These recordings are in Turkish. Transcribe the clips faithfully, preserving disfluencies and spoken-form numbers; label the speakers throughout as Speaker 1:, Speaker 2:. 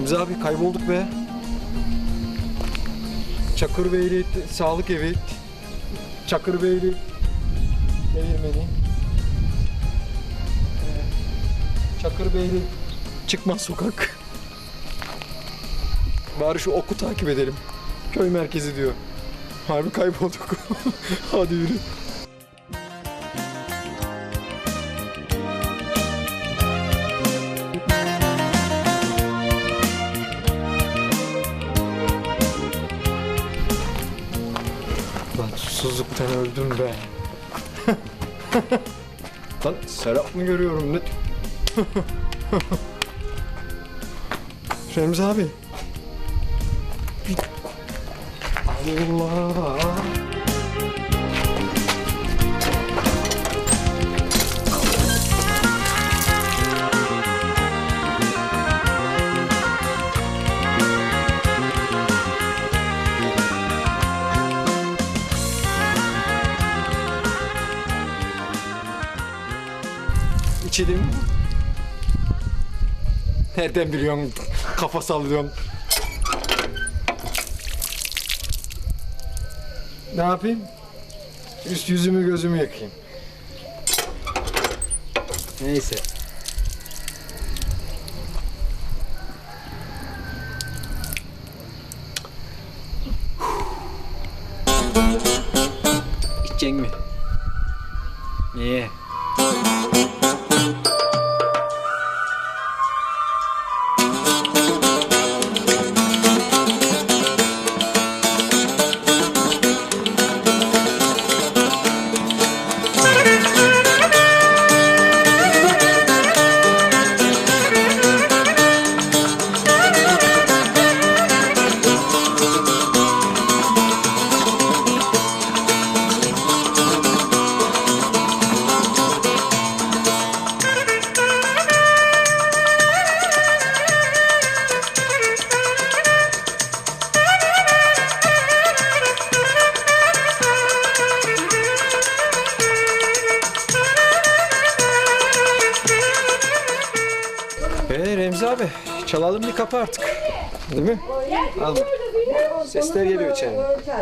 Speaker 1: Remzi abi kaybolduk be. Çakırbeyli Sağlık Evi, Çakırbeyli Değirmeni, Çakırbeyli Çıkmaz Sokak. Bari şu oku takip edelim. Köy merkezi diyor. Harbi kaybolduk. Hadi yürü. Lan susuzluktan öldüm be. Lan Serap mı görüyorum ne? Remzi abi. Allah. İçelim. Nereden biliyorsun? Kafa sallıyorsun. Ne yapayım? Üst yüzümü gözümü yakayım. Neyse. İçecek mi? Niye? Ee Remzi abi, çalalım bir kapı artık. Değil mi? Al. Sesler geliyor içeri.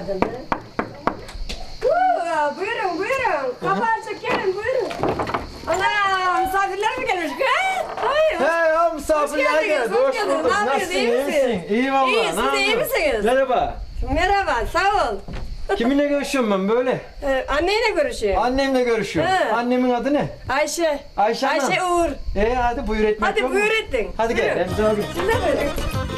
Speaker 2: Buyurun, buyurun. Kapı açık, gelin, buyurun. Ana, misafirler mi gelmiş kız? Hayır.
Speaker 1: He ya misafirler geldi. Hoş bulduk. Nasılsın? İyi misin? İyi valla.
Speaker 2: İyi, siz de iyi misiniz?
Speaker 1: Merhaba.
Speaker 2: Merhaba, sağ ol.
Speaker 1: Kiminle görüşüyorum ben böyle?
Speaker 2: Ee, anneyle görüşüyorum.
Speaker 1: Annemle görüşüyorum.
Speaker 2: He.
Speaker 1: Annemin adı ne?
Speaker 2: Ayşe.
Speaker 1: Ayşe Hanım.
Speaker 2: Ayşe Uğur.
Speaker 1: Ee hadi buyur etmek
Speaker 2: Hadi
Speaker 1: yok mu?
Speaker 2: buyur ettin.
Speaker 1: Hadi gel
Speaker 2: Buyurun.
Speaker 1: Remzi abi.
Speaker 2: Siz de buyurun.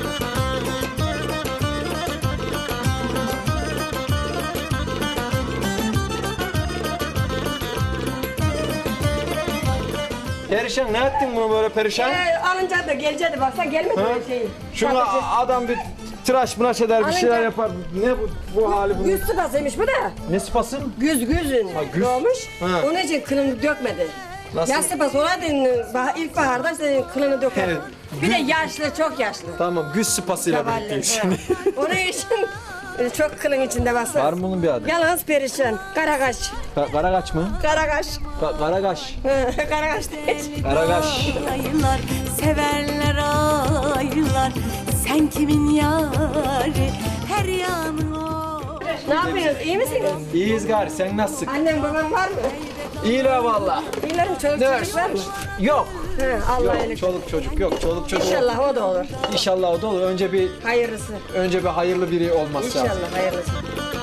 Speaker 1: Perişan ne ettin bunu böyle perişan?
Speaker 2: Ee, alınca da gelecekti, baksa gelmedi
Speaker 1: Ha?
Speaker 2: böyle şey.
Speaker 1: Şuna
Speaker 2: Bakıcı.
Speaker 1: adam bir tıraş mıraş eder bir şeyler
Speaker 2: Alınca-
Speaker 1: yapar. Ne bu, bu hali bunun?
Speaker 2: Güz sıpasıymış bu da.
Speaker 1: Ne sıpasın?
Speaker 2: Güz güzün
Speaker 1: güz.
Speaker 2: doğmuş.
Speaker 1: Ha.
Speaker 2: Onun için kılını dökmedi.
Speaker 1: Nasıl?
Speaker 2: Yaz sıpası olaydın bah- ilkbaharda senin kılını döker.
Speaker 1: Evet.
Speaker 2: Bir de yaşlı, çok yaşlı.
Speaker 1: Tamam güz sıpasıyla
Speaker 2: Zavallı,
Speaker 1: birlikteyiz
Speaker 2: ha.
Speaker 1: şimdi.
Speaker 2: Onun için e, çok kılın içinde bastı.
Speaker 1: Var mı bunun bir adı?
Speaker 2: Yalnız perişan. Karakaş.
Speaker 1: Ka- Karagaç mı?
Speaker 2: Karakaş.
Speaker 1: Ka- Karagaş.
Speaker 2: Karakaş değil.
Speaker 1: Karagaş.
Speaker 3: Aylar, severler aylar. Sen kimin yari? Her yanın o.
Speaker 2: Ne yapıyorsunuz? İyi misiniz?
Speaker 1: İyiyiz gari sen nasılsın?
Speaker 2: Annem babam var mı?
Speaker 1: İyiler valla.
Speaker 2: İyilerim, çoluk
Speaker 1: Ne
Speaker 2: çocuk var mı?
Speaker 1: Yok.
Speaker 2: Ha, Allah
Speaker 1: Yok
Speaker 2: iyilik.
Speaker 1: çoluk çocuk yok. Çoluk çocuk.
Speaker 2: İnşallah o da olur.
Speaker 1: İnşallah o da olur. Önce bir
Speaker 2: Hayırlısı.
Speaker 1: önce bir hayırlı biri olması lazım.
Speaker 2: İnşallah hayırlısı.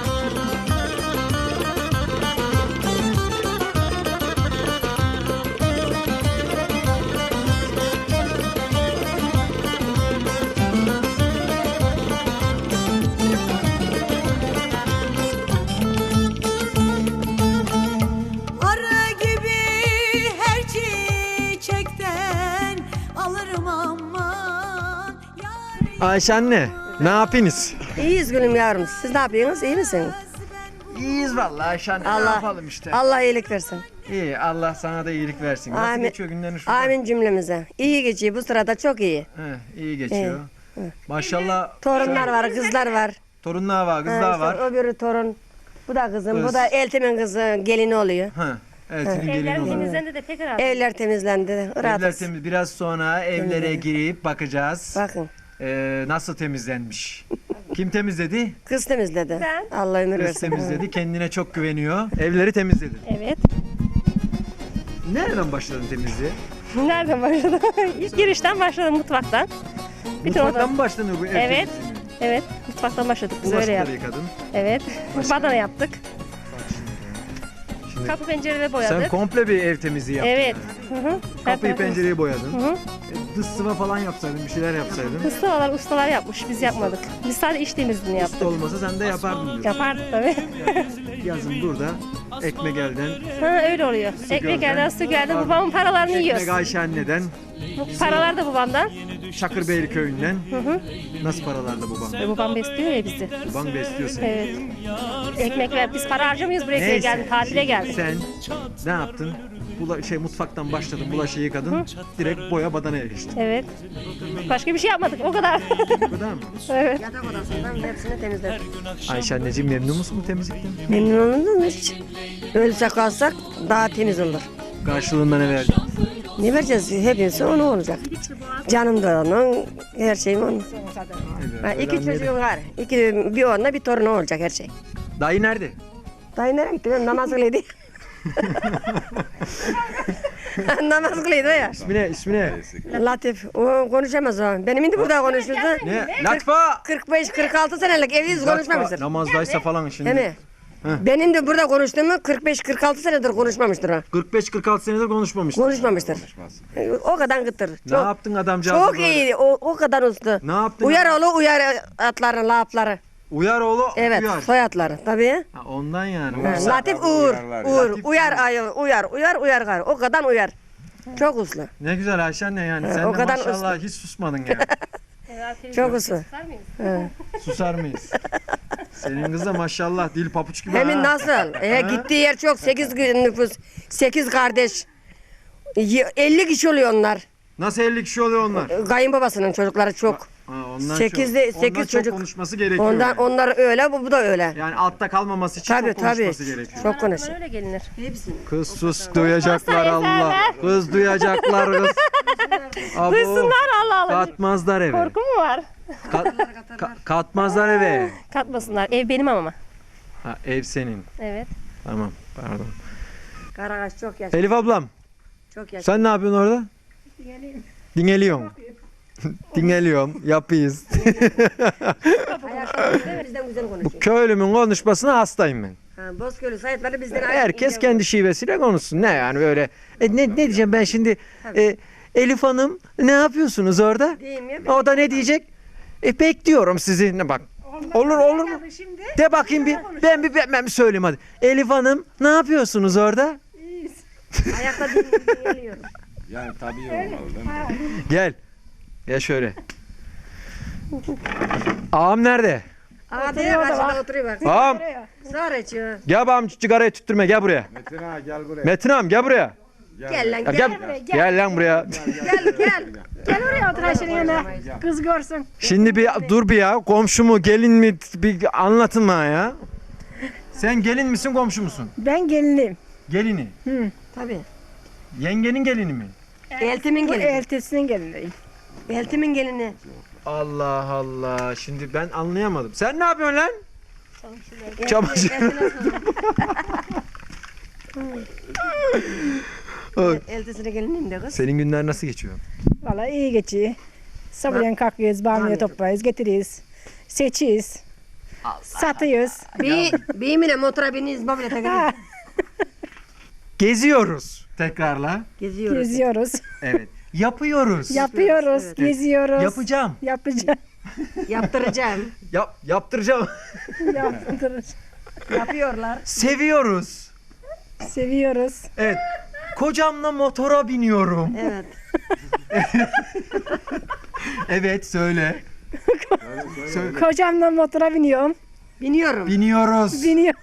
Speaker 3: Arı gibi her çiçekten alırım aman. Yar
Speaker 1: Ayşe anne ne yapıyorsunuz?
Speaker 2: İyiyiz gülüm yavrum. Siz ne yapıyorsunuz? İyi misiniz?
Speaker 1: İyiyiz vallahi Ayşe anne. Ne
Speaker 2: Allah,
Speaker 1: yapalım işte.
Speaker 2: Allah iyilik versin.
Speaker 1: İyi Allah sana da iyilik versin. Nasıl
Speaker 2: Amin.
Speaker 1: geçiyor günlerin şurada?
Speaker 2: Amin cümlemize. İyi geçiyor bu sırada, çok iyi.
Speaker 1: He, iyi geçiyor. Maşallah.
Speaker 2: Torunlar
Speaker 1: şöyle-
Speaker 2: var, kızlar var.
Speaker 1: Torunlar var,
Speaker 2: Ha,
Speaker 1: kızlar
Speaker 2: işte
Speaker 1: var.
Speaker 2: Öbürü torun. Bu da kızım,
Speaker 1: Kız.
Speaker 2: bu da eltimin kızı, gelini oluyor.
Speaker 1: Ha. Eltinin gelini olur.
Speaker 4: Temizlendi de pek rahat.
Speaker 2: Evler temizlendi.
Speaker 1: Evler
Speaker 2: Rahatız.
Speaker 1: temiz. Biraz sonra evlere girip bakacağız.
Speaker 2: Bakın.
Speaker 1: Ee, nasıl temizlenmiş? Kim temizledi?
Speaker 2: Kız temizledi.
Speaker 4: Ben.
Speaker 2: Allah ömür
Speaker 1: Kız
Speaker 2: versin.
Speaker 1: temizledi. Kendine çok güveniyor. Evleri temizledi.
Speaker 4: Evet.
Speaker 1: Nereden başladın temizliğe?
Speaker 4: Nereden başladım? İlk girişten başladım mutfaktan. Bütün
Speaker 1: Mutfaktan
Speaker 4: oda-
Speaker 1: mı başlanıyor bu ev
Speaker 4: Evet.
Speaker 1: temizliğine?
Speaker 4: Evet, mutfaktan başladık biz öyle
Speaker 1: Bulaşıkları
Speaker 4: yaptık.
Speaker 1: yıkadın.
Speaker 4: Evet. Badana yaptık.
Speaker 1: Şimdi
Speaker 4: Kapı pencereleri boyadık.
Speaker 1: sen komple bir ev temizliği yaptın.
Speaker 4: Evet.
Speaker 1: yani.
Speaker 4: Hı hı. Her
Speaker 1: Kapıyı
Speaker 4: tarafı-
Speaker 1: pencereyi boyadın.
Speaker 4: Hı hı.
Speaker 1: E, Dış sıva falan yapsaydın, bir şeyler yapsaydın.
Speaker 4: Ustalar, ustalar yapmış. Biz yapmadık. Biz sadece iç temizliğini yaptık.
Speaker 1: Usta olmasa sen de yapardın diyorsun.
Speaker 4: Yapardık tabii.
Speaker 1: Yazın burada ekmek elden,
Speaker 4: Ha, öyle oluyor. Ekmek
Speaker 1: gölden.
Speaker 4: elden, su gelden. Babamın paralarını
Speaker 1: ekmek
Speaker 4: yiyoruz.
Speaker 1: Ayşe anneden,
Speaker 4: Bu paralar da babamdan.
Speaker 1: Çakırbeyli köyünden.
Speaker 4: Hı hı.
Speaker 1: Nasıl paralarla babam?
Speaker 4: E, babam besliyor ya bizi.
Speaker 1: Baban besliyor seni.
Speaker 4: Evet. Ekmek ver. Biz para harcamıyoruz buraya
Speaker 1: Neyse.
Speaker 4: geldik. Tatile geldik.
Speaker 1: Sen ne yaptın? Bula, şey mutfaktan başladın, bulaşığı yıkadın, direkt boya badanaya geçtin.
Speaker 4: Evet. Başka bir şey yapmadık. O kadar.
Speaker 1: Bu kadar mı?
Speaker 4: Evet.
Speaker 2: Yatak odasından hepsini temizledik.
Speaker 1: Ayşe anneciğim memnun musun bu temizlikten?
Speaker 2: Memnun olundun mu hiç? Ölse kalsak daha temiz olur.
Speaker 1: Karşılığında ne verdin?
Speaker 2: Ne vereceğiz? Hepsi onu olacak. Canım da onun, her şeyim onun. Ha, iki çocuğum var. İki, bir onunla bir torunu olacak her şey.
Speaker 1: Dayı nerede?
Speaker 2: Dayı nereye gitti? Ben namaz kılıydı. Namaz kılıydı o ya.
Speaker 1: İsmi ne? İsmi ne?
Speaker 2: Latif. O konuşamaz o. Benim indi burada konuşurdu.
Speaker 1: Ne? Latfa!
Speaker 2: kırk beş kırk altı senelik evliyiz konuşmamıştır.
Speaker 1: Namazdaysa falan şimdi.
Speaker 2: Değil mi? Benim de burada konuştuğumu kırk beş kırk altı senedir konuşmamıştır o.
Speaker 1: kırk beş kırk altı senedir konuşmamış.
Speaker 2: Konuşmamıştır. O kadar gıttır.
Speaker 1: Ne yaptın adamcağız?
Speaker 2: Çok iyi. O, o kadar usta.
Speaker 1: Ne yaptın?
Speaker 2: Uyar oğlu uyar atların lafları.
Speaker 1: Uyar oğlu
Speaker 2: Evet
Speaker 1: uyar.
Speaker 2: soyadları tabii.
Speaker 1: Ha, ondan yani.
Speaker 2: Ha, Latif Uğur. Uğur.
Speaker 1: Latif
Speaker 2: Uyar ayı. Uyar. Uyar uyar gar. O kadar uyar. Çok uslu.
Speaker 1: Ne güzel Ayşe anne yani.
Speaker 2: Ha,
Speaker 1: Sen
Speaker 2: o
Speaker 1: de
Speaker 2: kadar
Speaker 1: maşallah
Speaker 2: uslu.
Speaker 1: hiç susmadın ya.
Speaker 2: Çok uslu.
Speaker 1: Susar mıyız? Senin kız da maşallah dil papuç gibi
Speaker 2: Hemin
Speaker 1: ha.
Speaker 2: nasıl? E, gittiği yer çok. Sekiz nüfus. Sekiz kardeş. Y- elli kişi oluyor onlar.
Speaker 1: Nasıl elli kişi oluyor onlar?
Speaker 2: Kayınbabasının çocukları çok.
Speaker 1: Ha, ondan
Speaker 2: Sekizde-
Speaker 1: çok,
Speaker 2: sekiz
Speaker 1: ondan çok
Speaker 2: çocuk.
Speaker 1: konuşması gerekiyor.
Speaker 2: Ondan
Speaker 1: yani.
Speaker 2: onlar öyle, bu, bu da öyle.
Speaker 1: Yani altta kalmaması için
Speaker 2: Tabii
Speaker 1: çok konuşması
Speaker 2: tabii.
Speaker 1: gerekiyor.
Speaker 2: Çok konuşuyor.
Speaker 4: Öyle gelinir.
Speaker 1: Kız sus duyacaklar
Speaker 4: Olmazsa
Speaker 1: Allah.
Speaker 4: ezerler.
Speaker 1: Kız duyacaklar kız. Abo,
Speaker 4: Duysunlar Allah Allah.
Speaker 1: katmazlar eve.
Speaker 4: Korku mu var?
Speaker 1: Kat- ka- katmazlar eve.
Speaker 4: Katmasınlar. Ev benim ama.
Speaker 1: Ha, ev senin.
Speaker 4: Evet.
Speaker 1: Tamam pardon.
Speaker 2: Karagaş çok yaşlı.
Speaker 1: Elif ablam
Speaker 2: Çok yaşlı.
Speaker 1: sen ne yapıyorsun orada? Dinleniyorum. Dinleniyorum. Yapıyız.
Speaker 2: Ayaklarımızda bizden güzel konuşuyor.
Speaker 1: Köylümün konuşmasına hastayım ben.
Speaker 2: Ha, Bozköy'lü sayıtları bizden ayrı.
Speaker 1: Herkes kendi şivesiyle konuşsun. Ne yani böyle. E, ne, ne diyeceğim ben şimdi? E, Elif Hanım ne yapıyorsunuz orada?
Speaker 2: Diyeyim ya.
Speaker 1: O da ne diyecek? E bekliyorum sizi. Ne bak. Olur olur mu? De bakayım bir. Ben bir ben, ben bir söyleyeyim hadi. Elif Hanım ne yapıyorsunuz orada?
Speaker 2: Ayakta dinliyorum.
Speaker 5: Yani tabii olmalı değil mi?
Speaker 1: Gel. Gel şöyle. Ağam nerede?
Speaker 2: Aa diye karşıda oturuyor bak.
Speaker 1: Ağam
Speaker 2: Zor içiyor.
Speaker 1: gel bağım sigarayı tüttürme gel buraya.
Speaker 5: Metin ağa gel buraya.
Speaker 1: Metin ağam gel buraya.
Speaker 2: Gel lan
Speaker 1: Ya
Speaker 2: gel.
Speaker 1: gel, gel lan buraya.
Speaker 2: Gel gel.
Speaker 6: Gel oraya otur Ayşe'nin yanına. Kız görsün.
Speaker 1: Şimdi bir dur bir ya. Komşu mu gelin mi bir anlatın bana ya. Sen gelin misin komşu musun?
Speaker 6: Ben gelinim.
Speaker 1: Gelini.
Speaker 2: Tabii.
Speaker 1: Yengenin gelini mi?
Speaker 2: Eltimin
Speaker 6: Bu
Speaker 2: gelini.
Speaker 6: eltisinin geliniyim.
Speaker 2: Eltimin gelini.
Speaker 1: Allah Allah. Şimdi ben anlayamadım. Sen ne yapıyorsun lan? Çamaşır. Oy.
Speaker 2: Eltisine geliniyim de kız.
Speaker 1: Senin günler nasıl geçiyor?
Speaker 6: Vallahi iyi geçiyor. Sabahleyin kalkıyoruz, bamya toplayız, getiriyoruz. Seçiyoruz. Satıyoruz.
Speaker 2: Bir, bir mine motora biniyiz babile takılıyoruz.
Speaker 1: Geziyoruz. Tekrarla.
Speaker 2: Geziyoruz.
Speaker 6: Geziyoruz.
Speaker 1: Evet. Yapıyoruz.
Speaker 6: Yapıyoruz,
Speaker 2: Evet.
Speaker 6: geziyoruz.
Speaker 1: Yapacağım.
Speaker 6: Yapacağım.
Speaker 2: Yaptıracağım.
Speaker 1: Yap, yaptıracağım.
Speaker 6: Yaptırırız.
Speaker 2: Yapıyorlar.
Speaker 1: Seviyoruz.
Speaker 6: Seviyoruz.
Speaker 1: Evet. Kocamla motora biniyorum.
Speaker 2: Evet.
Speaker 1: Evet söyle. Söyle.
Speaker 6: Kocamla motora biniyorum.
Speaker 2: Biniyorum.
Speaker 1: Biniyoruz.
Speaker 6: Biniyorum.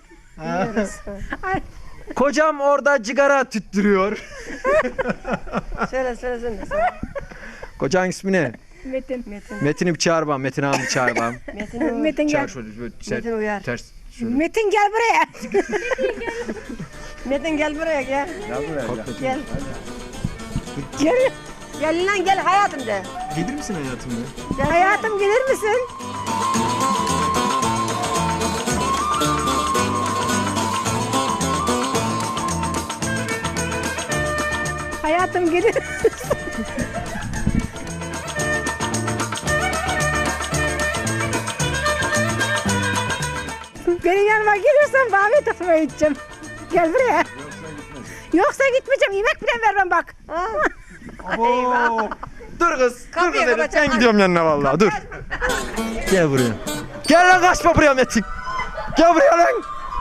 Speaker 1: Kocam orada cigara tüttürüyor.
Speaker 2: Söyle söyle söyle.
Speaker 1: Kocan ismi ne?
Speaker 6: Metin.
Speaker 2: Metin.
Speaker 1: Metin'i bir çağır bana. Metin ağamı çağır bana.
Speaker 2: Metin,
Speaker 6: Metin gel.
Speaker 1: Çağır şöyle. böyle ser-
Speaker 2: Metin uyar.
Speaker 1: Ters. Şöyle.
Speaker 6: Metin gel buraya.
Speaker 2: Metin gel buraya gel.
Speaker 5: Gel buraya gel.
Speaker 2: Gel.
Speaker 6: Gel.
Speaker 2: Gel lan gel hayatım de.
Speaker 1: Gelir misin hayatım ya?
Speaker 6: Hayatım gelir misin? Hayatım gelir. Benim yanıma gelirsen kahve takmaya gideceğim. Gel buraya. Yoksa gitmeyeceğim. Yemek bile vermem bak.
Speaker 1: Oo. Dur kız. Dur
Speaker 2: Kapıyı
Speaker 1: kız Elif.
Speaker 2: kapatacağım.
Speaker 1: Ben gidiyorum yanına vallahi. Dur. Gel buraya. Gel lan kaçma buraya Metin. Gel buraya lan.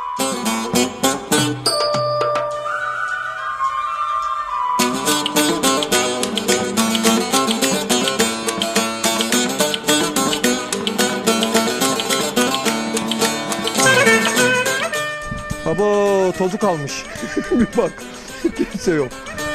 Speaker 1: Baba tozu kalmış. Bir bak. Kimse yok.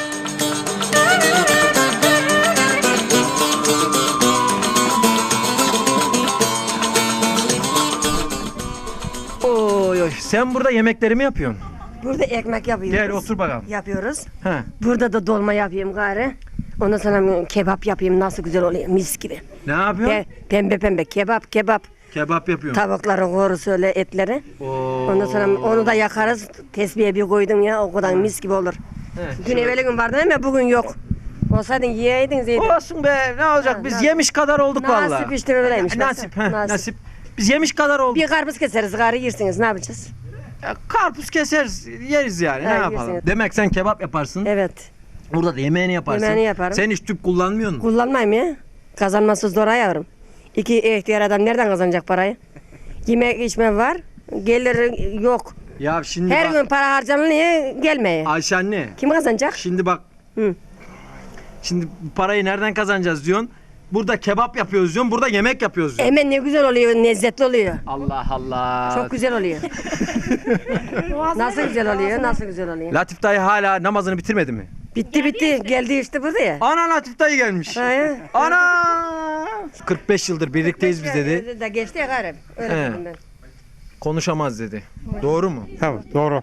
Speaker 1: Oy oy. Sen burada yemekleri mi yapıyorsun?
Speaker 2: Burada ekmek yapıyoruz.
Speaker 1: Gel otur bakalım.
Speaker 2: Yapıyoruz.
Speaker 1: He.
Speaker 2: Burada da dolma yapayım gari. Ondan sonra kebap yapayım, nasıl güzel oluyor, mis gibi.
Speaker 1: Ne yapıyorsun?
Speaker 2: Pe- pembe pembe kebap kebap.
Speaker 1: Kebap yapıyorsun.
Speaker 2: Tavukların korusu öyle etleri.
Speaker 1: Oo.
Speaker 2: Ondan sonra onu da yakarız. Tesbihe bir koydum ya, o kadar mis gibi olur.
Speaker 1: He,
Speaker 2: Dün evveli gün vardı ama bugün yok. Olsaydın yiyeydin Zeydin.
Speaker 1: Olsun be ne olacak
Speaker 2: Ha,
Speaker 1: biz
Speaker 2: nasip.
Speaker 1: yemiş kadar olduk vallahi.
Speaker 2: Nasip işte öyleymiş.
Speaker 1: Nasip,
Speaker 2: baksana.
Speaker 1: he, nasip. Biz yemiş kadar olduk.
Speaker 2: Bir karpuz keseriz, gari yersiniz, ne yapacağız?
Speaker 1: Ya, karpuz keseriz yeriz yani
Speaker 2: Ha,
Speaker 1: ne yapalım.
Speaker 2: yersiniz.
Speaker 1: Demek sen kebap yaparsın.
Speaker 2: Evet.
Speaker 1: Burada da yemeğini yaparsın.
Speaker 2: Yemeğini yaparım.
Speaker 1: Sen hiç tüp kullanmıyor musun?
Speaker 2: Kullanmayayım ya. Kazanması zor yavrum. İki ihtiyar adam nereden kazanacak parayı? Yemek içme var, gelir yok.
Speaker 1: Ya şimdi
Speaker 2: Her
Speaker 1: bak.
Speaker 2: gün para harcanıyor, gelmeye.
Speaker 1: Ayşe anne.
Speaker 2: Kim kazanacak?
Speaker 1: Şimdi bak.
Speaker 2: Hı.
Speaker 1: Şimdi bu parayı nereden kazanacağız diyorsun. Burada kebap yapıyoruz diyorsun. Burada yemek yapıyoruz diyorsun.
Speaker 2: Hemen ne güzel oluyor, lezzetli oluyor.
Speaker 1: Allah Allah.
Speaker 2: Çok güzel oluyor. Nasıl güzel oluyor, nasıl güzel oluyor.
Speaker 1: Latif dayı hala namazını bitirmedi mi?
Speaker 2: Bitti bitti, geldi işte burada ya.
Speaker 1: Ana Latif dayı gelmiş.
Speaker 2: Ha, ya.
Speaker 1: Ana! kırk beş yıldır birlikteyiz biz dedi.
Speaker 2: De geçti ya garip. Öyle
Speaker 1: He.
Speaker 2: dedim ben.
Speaker 1: Konuşamaz dedi. Doğru mu?
Speaker 5: Tamam doğru.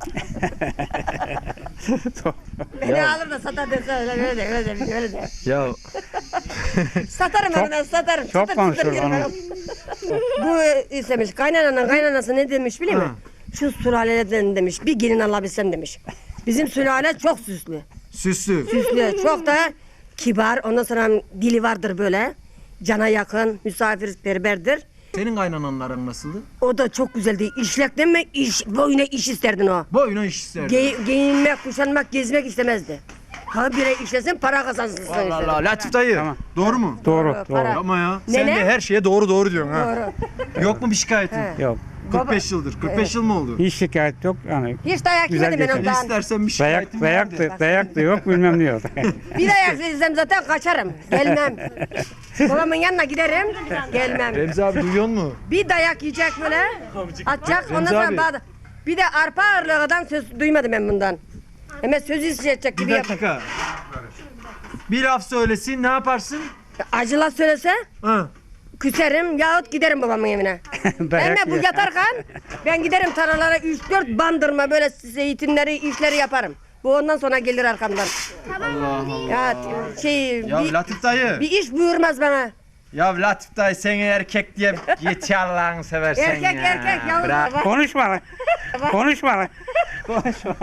Speaker 2: Beni alır da satar dese öyle öyle de öyle de öyle de.
Speaker 1: Ya
Speaker 2: Satarım ben onu satarım.
Speaker 5: Çok
Speaker 2: Satır,
Speaker 5: konuşur
Speaker 2: satır,
Speaker 5: onu.
Speaker 2: Bu istemiş, kaynananın kaynanası ne demiş biliyor musun? Şu sülaleden demiş, bir gelin alabilsem demiş. Bizim sülale çok süslü.
Speaker 1: süslü.
Speaker 2: Süslü, çok da kibar. Ondan sonra dili vardır böyle. Cana yakın, misafirperverdir.
Speaker 1: Senin kaynananların nasıldı?
Speaker 2: O da çok güzeldi. İşlekten mi? İş, boyuna iş isterdin o.
Speaker 1: Boyuna iş isterdi.
Speaker 2: Ge- giyinmek, kuşanmak, gezmek istemezdi. Ha bire işlesin, para kazansın.
Speaker 1: Allah Allah. Latif dayı.
Speaker 5: Tamam.
Speaker 1: Doğru mu?
Speaker 5: Doğru
Speaker 2: Doğru,
Speaker 5: doğru.
Speaker 2: para.
Speaker 1: Ama ya.
Speaker 2: Ne,
Speaker 1: Sen
Speaker 2: ne?
Speaker 1: de her şeye doğru doğru diyorsun ha.
Speaker 2: Doğru.
Speaker 1: Yok mu bir şikayetin?
Speaker 2: He.
Speaker 5: Yok.
Speaker 1: kırk beş yıldır. kırk beş yıl mı oldu?
Speaker 5: Hiç şikayet yok yani.
Speaker 2: Hiç dayak
Speaker 5: Güzel
Speaker 2: yemedim ben
Speaker 5: geçer.
Speaker 2: ondan.
Speaker 1: İstersen bir şikayetim
Speaker 5: Dayak
Speaker 1: var
Speaker 5: dayak
Speaker 1: de.
Speaker 5: da, dayak da yok bilmem ne yok.
Speaker 2: Bir dayak yesem zaten kaçarım. Gelmem. Babamın yanına giderim. Gelmem.
Speaker 1: Remzi abi duyuyor musun?
Speaker 2: Bir dayak yiyecek böyle. Atacak. Ondan
Speaker 1: Remzi abi.
Speaker 2: sonra bağda. Bir de arpa ağırlığından söz duymadım ben bundan. Hemen sözü isteyecek
Speaker 1: Bir
Speaker 2: gibi yap.
Speaker 1: dakika. Bir laf söylesin ne yaparsın?
Speaker 2: Acıla söylese
Speaker 1: Ha.
Speaker 2: küserim yahut giderim babamın evine.
Speaker 5: Dayak
Speaker 2: Hemen bu
Speaker 5: yer.
Speaker 2: yatarken ben giderim tarlalara üç dört bandırma böyle zeytinleri işleri yaparım. Bu ondan sonra gelir arkamdan.
Speaker 1: Allah Allah.
Speaker 2: Ya şey
Speaker 1: Ya
Speaker 2: bir,
Speaker 1: Latif dayı.
Speaker 2: bir iş buyurmaz bana.
Speaker 1: Ya Latif dayı seni erkek diye git ya Allah'ını seversen
Speaker 2: Erkek
Speaker 1: ya.
Speaker 2: erkek yavrum.
Speaker 1: Bırak.
Speaker 5: Konuşma lan. Konuşma lan. Konuşma.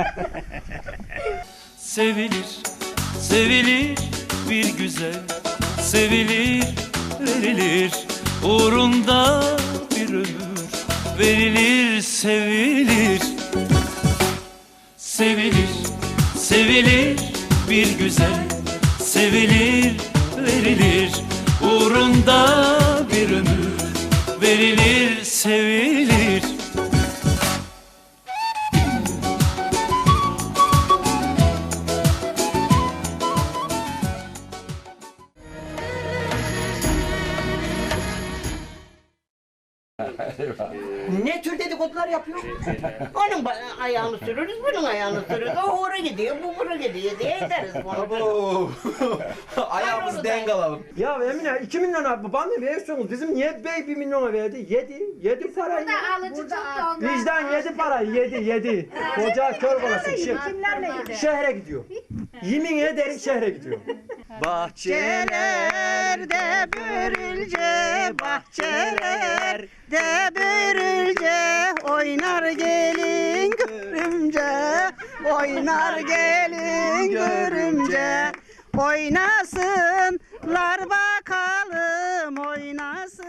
Speaker 7: Sevilir, sevilir bir güzel, sevilir, verilir, uğrunda bir ömür, verilir, sevilir. Sevilir, sevilir bir güzel, sevilir, verilir, uğrunda bir ömür, verilir, sevilir.
Speaker 8: Ne tür dedikodular yapıyor? Onun ba- ayağını sürürüz, bunun ayağını sürürüz. O hora gidiyor, bu bura gidiyor diye ederiz bunu.
Speaker 1: Ayağımızı denk alalım. Ya Emine iki milyon abi babam ne veriyorsunuz? Bizim niye bey bir milyona verdi? Yedi. Yedi parayı.
Speaker 6: Alıcı çok da ondan.
Speaker 1: Vicdan yedi parayı. Yedi. Yedi. Koca kör balası. Şe-
Speaker 6: Kimlerle gidiyor?
Speaker 1: şehre gidiyor. Yemin ederim şehre gidiyor. Bahçelerde börülce, bahçelerde börülce, oynar gelin görümce, oynar gelin görümce, oynasınlar bakalım oynasın.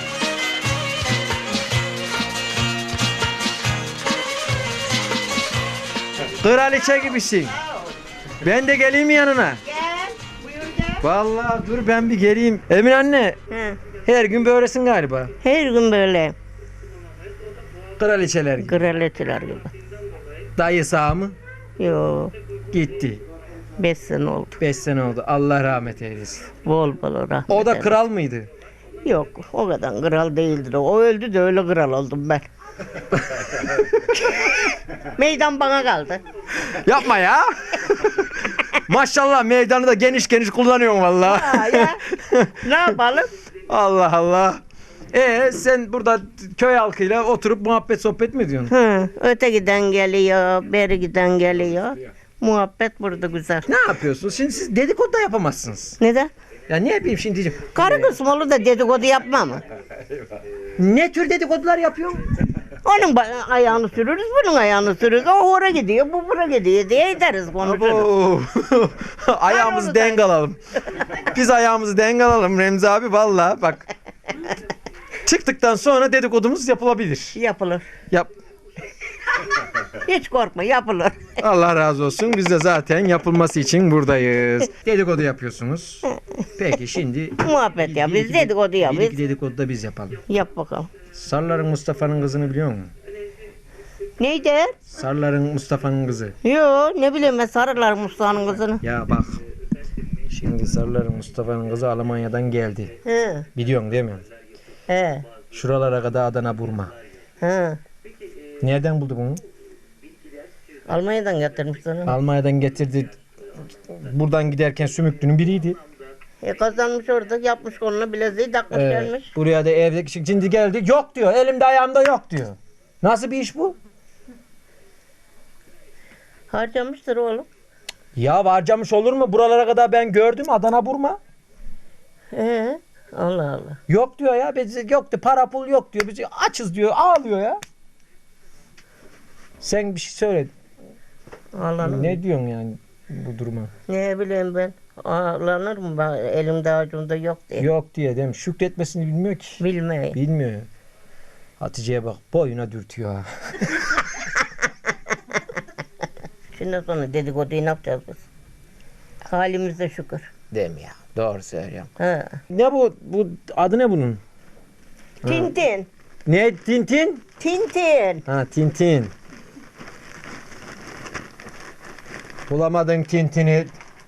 Speaker 1: Kraliçe gibisin. Ben de geleyim mi yanına?
Speaker 8: Gel. Buyur gel.
Speaker 1: Vallahi dur ben bir geleyim. Emin anne,
Speaker 2: He.
Speaker 1: her gün böylesin galiba.
Speaker 2: Her gün böyle
Speaker 1: Kraliçeler gibi.
Speaker 2: kraliçeler gibi.
Speaker 1: Dayı sağ mı?
Speaker 2: Yo,
Speaker 1: Gitti.
Speaker 2: beş sene oldu.
Speaker 1: Beş sene oldu. Allah rahmet eylesin.
Speaker 2: Bol bol rahmet.
Speaker 1: O da
Speaker 2: eylesin.
Speaker 1: kral mıydı?
Speaker 2: Yok, o kadar kral değildir. O öldü de öyle kral oldum ben. Meydan bana kaldı.
Speaker 1: Yapma ya. Maşallah meydanı da geniş geniş kullanıyorsun vallahi.
Speaker 2: Ha, ya. Ne yapalım?
Speaker 1: Allah Allah. Ee sen burada köy halkıyla oturup muhabbet sohbet mi ediyorsun?
Speaker 2: Hı, öte giden geliyor, beri giden geliyor. Muhabbet burada güzel.
Speaker 1: Ne yapıyorsunuz? Şimdi siz dedikodu da yapamazsınız.
Speaker 2: Neden?
Speaker 1: Ya ne yapayım şimdi diyeceğim.
Speaker 2: Karı kısmı olur da dedikodu yapma mı?
Speaker 1: Ne tür dedikodular yapıyorsun?
Speaker 2: Onun ba- ayağını sürürüz, bunun ayağını sürürüz. O oraya gidiyor, bu buraya gidiyor diye ederiz konuşuruz.
Speaker 1: Oo. Ayağımızı denk alalım. Biz ayağımızı denk alalım Remzi abi vallahi bak. Çıktıktan sonra dedikodumuz yapılabilir.
Speaker 2: Yapılır.
Speaker 1: Yap.
Speaker 2: Hiç korkma, yapılır.
Speaker 1: Allah razı olsun. Biz de zaten yapılması için buradayız. Dedikodu yapıyorsunuz. Peki şimdi
Speaker 2: Muhabbet ya, biz dedikodu ya,
Speaker 1: bir iki
Speaker 2: biz.
Speaker 1: dedikodu da biz yapalım.
Speaker 2: Yap bakalım.
Speaker 1: Sarların Mustafa'nın kızını biliyor musun?
Speaker 2: Neydi?
Speaker 1: Sarların Mustafa'nın kızı.
Speaker 2: Yo, ne bileyim ben sarılar Mustafa'nın kızını.
Speaker 1: Ya bak. Şimdi Sarların Mustafa'nın kızı Almanya'dan geldi.
Speaker 2: He,
Speaker 1: Biliyorsun değil mi?
Speaker 2: he,
Speaker 1: Şuralara kadar Adana Burma.
Speaker 2: he.
Speaker 1: Nereden buldu bunu?
Speaker 2: Almanya'dan getirmiş onu.
Speaker 1: Almanya'dan getirdi. Buradan giderken sümüklünün biriydi.
Speaker 2: E kazanmış orada, yapmış koluna bileziği takmış
Speaker 1: Ee,
Speaker 2: gelmiş.
Speaker 1: buraya da evde şimdi geldi. Yok diyor. Elimde ayağımda yok diyor. Nasıl bir iş bu?
Speaker 2: Harcamıştır oğlum.
Speaker 1: Ya harcamış olur mu? Buralara kadar ben gördüm Adana Burma.
Speaker 2: He, Allah Allah.
Speaker 1: Yok diyor ya. Biz yok diyor. Para pul yok diyor. Biz açız diyor. Ağlıyor ya. Sen bir şey söyle.
Speaker 2: Ağlanır
Speaker 1: Ne
Speaker 2: mı?
Speaker 1: diyorsun yani bu duruma?
Speaker 2: Ne bileyim ben. Ağlanır mı? Ben, elimde avucumda yok diye.
Speaker 1: Yok diye değil mi? Şükretmesini bilmiyor ki.
Speaker 2: Bilmeyi.
Speaker 1: Bilmiyor ya. Hatice'ye bak boyuna dürtüyor ha.
Speaker 2: Şimdi sonra dedikoduyu ne yapacağız biz? Halimize şükür.
Speaker 1: Değil mi ya? Doğru söylüyorum.
Speaker 2: Ha.
Speaker 1: Ne bu? Bu adı ne bunun?
Speaker 2: Tintin.
Speaker 1: Ne? Tintin?
Speaker 2: Tintin.
Speaker 1: Ha Tintin. Bulamadın Tintin'i.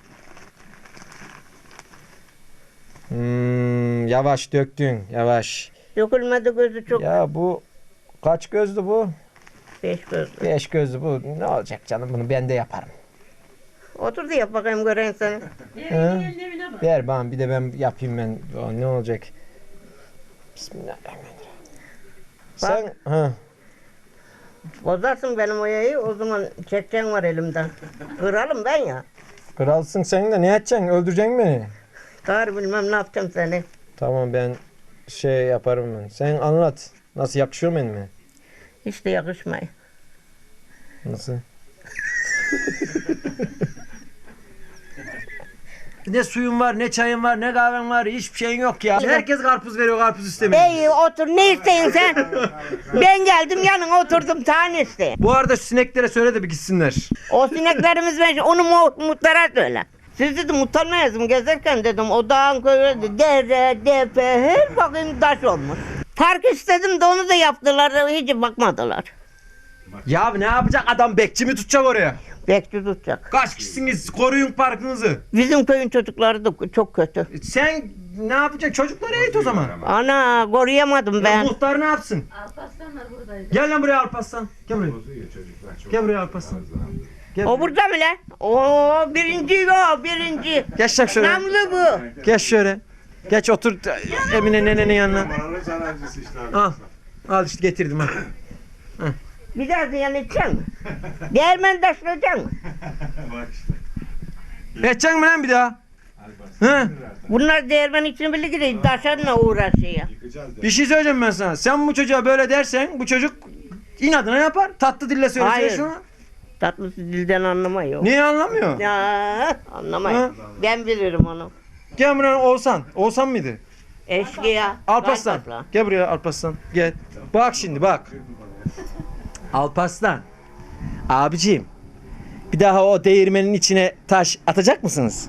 Speaker 1: Hmm, yavaş döktün. Yavaş.
Speaker 2: Dökülmedi gözü çok.
Speaker 1: Ya bu kaç gözlü bu?
Speaker 2: Beş gözlü.
Speaker 1: Beş gözlü bu. Ne olacak canım bunu ben de yaparım.
Speaker 2: Otur da yap bakayım göreyim seni.
Speaker 1: Ha? Ver bana bir de ben yapayım ben. O, ne olacak? Bismillahirrahmanirrahim. Sen ha.
Speaker 2: Bozarsın benim o yayı, o zaman çekeceğin var elimden. Kıralım ben ya.
Speaker 1: Kralsın sen de ne edeceksin? Öldüreceksin beni.
Speaker 2: Kar bilmem ne yapacağım seni.
Speaker 1: Tamam ben şey yaparım ben. Sen anlat. Nasıl yakışıyor mu elime?
Speaker 2: Hiç de yakışmay.
Speaker 1: Nasıl? Ne suyun var, ne çayın var, ne kahven var, hiçbir şeyin yok ya. Herkes karpuz veriyor, karpuz istemiyor.
Speaker 2: Ey otur, ne isteyin sen? Ben geldim yanına oturdum, tane iste.
Speaker 1: Bu arada şu sineklere söyle de bir gitsinler.
Speaker 2: O sineklerimiz ben onu mu, muhtara söyle. Siz dedim utanmayız mı gezerken dedim o dağın köyü dere, depe her bakayım taş olmuş. Park istedim de onu da yaptılar, hiç bakmadılar.
Speaker 1: Ya ne yapacak adam, bekçi mi tutacak oraya?
Speaker 2: Bekçi tutacak.
Speaker 1: Kaç kişisiniz, koruyun parkınızı.
Speaker 2: Bizim köyün çocukları da çok kötü.
Speaker 1: Sen ne yapacaksın, çocukları eğit o zaman.
Speaker 2: Ana koruyamadım
Speaker 1: Ya
Speaker 2: ben.
Speaker 1: muhtar ne yapsın?
Speaker 4: Alparslanlar buradaydı.
Speaker 1: Gel lan buraya Alparslan. Gel buraya. Gel buraya Alparslan. Gel
Speaker 2: O burada mı lan? Oo birinci o birinci.
Speaker 1: Geç lan şöyle.
Speaker 2: Namlı bu.
Speaker 1: Geç şöyle. Geç otur Emine nenenin yanına. Al. Al işte getirdim ha.
Speaker 2: Bir daha ziyan edecek mi? Değirmen taşlayacak mı?
Speaker 1: Edeceksin mi lan bir daha? He?
Speaker 2: Bunlar değirmen için bile gidiyor. Taşanla uğraşıyor.
Speaker 1: Bir şey söyleyeceğim ben sana. Sen bu çocuğa böyle dersen bu çocuk inadına yapar. Tatlı dille söylesene
Speaker 2: Hayır.
Speaker 1: şunu.
Speaker 2: Tatlısı dilden anlamıyor.
Speaker 1: Niye anlamıyor?
Speaker 2: Ya anlamıyor.
Speaker 1: Ha?
Speaker 2: Ben bilirim onu.
Speaker 1: Gel buraya Oğuzhan. Oğuzhan mıydı?
Speaker 2: Eşkıya.
Speaker 1: Alparslan.
Speaker 2: Alparslan.
Speaker 1: Gel buraya Alparslan. Gel. Bak şimdi bak. Alparslan. Abiciğim. Bir daha o değirmenin içine taş atacak mısınız?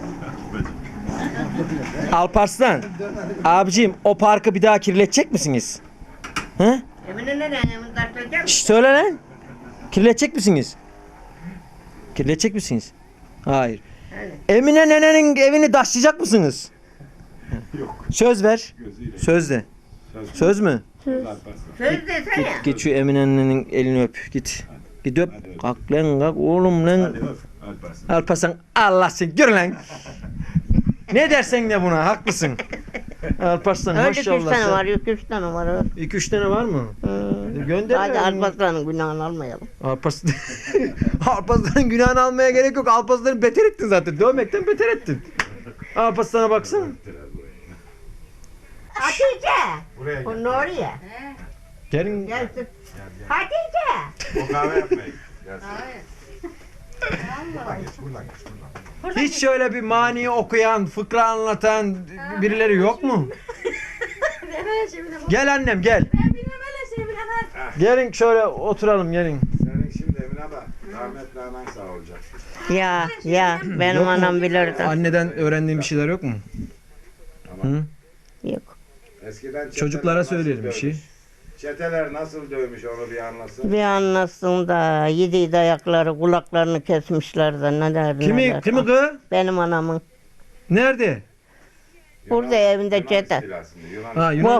Speaker 1: Alparslan. Abiciğim o parkı bir daha kirletecek misiniz? He?
Speaker 2: Emine nene emin taşlayacak.
Speaker 1: Şş, söyle lan. Kirletecek misiniz? Kirletecek misiniz? Hayır. Emine nenenin evini taşlayacak mısınız? Yok. Söz ver. Söz de. Söz mü?
Speaker 2: Söz desene.
Speaker 1: Git şu Emine nenenin elini öp. Git. Git öp. Kalk lan kalk oğlum lan. Alparslan Allah seni gör lan. Ne dersen de buna haklısın. Alparslan
Speaker 2: Öyle iki üç
Speaker 1: maşallah.
Speaker 2: tane
Speaker 1: sen-
Speaker 2: var, iki üç tane var. evet.
Speaker 1: İki üç tane var mı?
Speaker 2: Hı.
Speaker 1: Gönder.
Speaker 2: Hadi Alparslan'ın günahını almayalım.
Speaker 1: Alparslan. Alparslan'ın günahını almaya gerek yok. Alparslan'ı beter ettin zaten. Dövmekten beter ettin. Alparslan'a baksana.
Speaker 2: Hatice. O Nuriye.
Speaker 1: Gelin.
Speaker 2: Gelsin. Hatice.
Speaker 9: O kahve yapmayın.
Speaker 1: Hiç şöyle bir mani okuyan, fıkra anlatan birileri yok mu? Gel annem gel. Gelin şöyle oturalım gelin.
Speaker 9: Senin şimdi Emine abla rahmetli anan sağ olacak.
Speaker 2: Ya ya benim
Speaker 1: Yok mu?
Speaker 2: anam bilirdi.
Speaker 1: Anneden öğrendiğin bir şeyler yok mu? Hı?
Speaker 2: Yok.
Speaker 9: Eskiden çeteler
Speaker 1: Çocuklara
Speaker 9: nasıl
Speaker 1: söyleyelim bir
Speaker 9: dövmüş?
Speaker 1: şey.
Speaker 9: Çeteler nasıl dövmüş onu bir anlasın.
Speaker 2: Bir anlasın da yedi ayakları kulaklarını kesmişler de neler
Speaker 1: Kimi
Speaker 2: neler.
Speaker 1: kimi kız?
Speaker 2: Benim anamın.
Speaker 1: Nerede?
Speaker 2: Burada evinde
Speaker 9: Yunan
Speaker 2: çete.
Speaker 9: istilasında, Yunan
Speaker 1: Ha Yunan.
Speaker 2: Bu-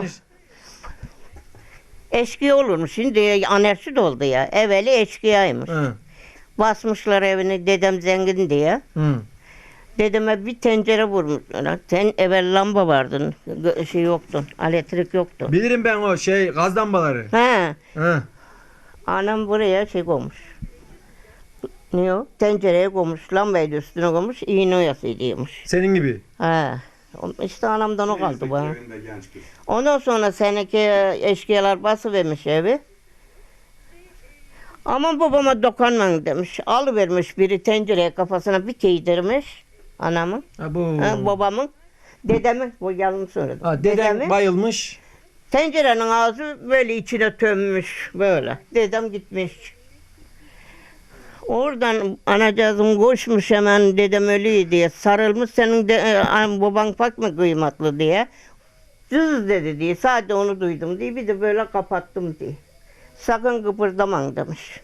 Speaker 2: Eşkıya olurmuş. Şimdi anarşi oldu ya. Evveli eşkıyaymış.
Speaker 1: Hı.
Speaker 2: Basmışlar evini dedem zengin diye.
Speaker 1: Hı.
Speaker 2: Dedeme bir tencere vurmuşlar. Sen evvel lamba vardın. gö- Şey yoktu. Elektrik yoktu.
Speaker 1: Bilirim ben o şey gaz lambaları.
Speaker 2: He.
Speaker 1: Hı.
Speaker 2: Anam buraya şey koymuş. Ne o? Tencereye koymuş. Lambayı da üstüne koymuş. İğne oyasıymış.
Speaker 1: Senin gibi.
Speaker 2: He. İşte anamdan o kaldı bana.
Speaker 9: köyünde genç kız.
Speaker 2: Ondan sonra seneki eşkıyalar basıvermiş evi. Aman babama dokunmayın demiş. Alıvermiş biri tencereye kafasına bir giydirmiş. Anamın,
Speaker 1: Ha bu.
Speaker 2: ha, babamın, dedemin, bu yalan söyledim.
Speaker 1: Ha, deden
Speaker 2: Dedemin,
Speaker 1: bayılmış.
Speaker 2: tencerenin ağzı böyle içine tömmüş böyle. Dedem gitmiş. Oradan anacığım koşmuş hemen dedem ölüyor diye sarılmış senin de, e, an- baban pek mi kıymetli diye. Cız dedi diye sadece onu duydum diye bir de böyle kapattım diye. Sakın kıpırdaman demiş.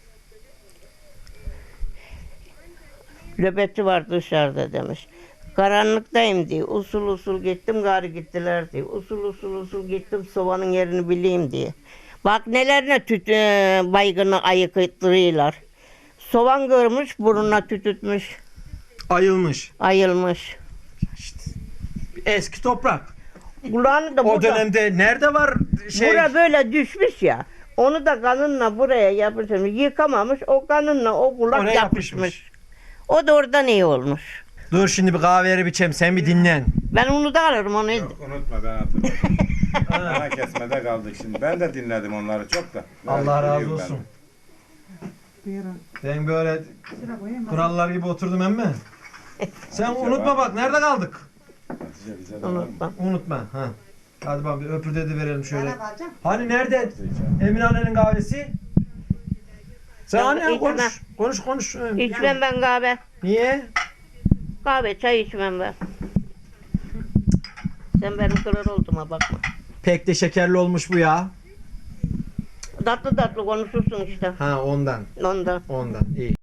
Speaker 2: Nöbetçi var dışarıda demiş. Karanlıktayım diye usul usul gittim gari gittiler diye. Usul usul usul gittim sobanın yerini bileyim diye. Bak nelerine tüt e, baygını ayıkıttırıyorlar. Soğan görmüş, burnuna tütütmüş,
Speaker 1: Ayılmış.
Speaker 2: ayılmış.
Speaker 1: Eski toprak.
Speaker 2: Kulağını da
Speaker 1: O
Speaker 2: burada,
Speaker 1: dönemde nerede var şey?
Speaker 2: bura böyle düşmüş ya. Onu da kanınla buraya yapıştırmış. Yıkamamış, o kanınla o kulak
Speaker 1: Oraya
Speaker 2: yapışmış.
Speaker 1: yapışmış.
Speaker 2: O da oradan iyi olmuş.
Speaker 1: Dur şimdi bir kahve biçeyim sen bir dinlen.
Speaker 2: Ben onu da alırım onu.
Speaker 9: Yok unutma ben hatırladım. Ana kesmede kaldık şimdi. Ben de dinledim onları çok da.
Speaker 1: Allah razı
Speaker 9: Biliyorum ben.
Speaker 1: olsun. Ben böyle kurallar gibi oturdum emme. Sen unutma bak nerede kaldık?
Speaker 9: Hatice bize de var mı?
Speaker 2: Unutma.
Speaker 1: Unutma. Ha. Hadi bak bir öpürde de verelim şöyle. Hani nerede Emine annenin kahvesi? Sen
Speaker 2: Ben
Speaker 1: anne
Speaker 2: içmem.
Speaker 1: konuş. Konuş konuş.
Speaker 2: İçmem ben kahve.
Speaker 1: Niye?
Speaker 2: Kahve, çay içmem ben. Sen benim kırar olduğuma bakma.
Speaker 1: Pek de şekerli olmuş bu ya.
Speaker 2: Tatlı tatlı konuşursun işte.
Speaker 1: Ha ondan.
Speaker 2: Ondan.
Speaker 1: Ondan. İyi.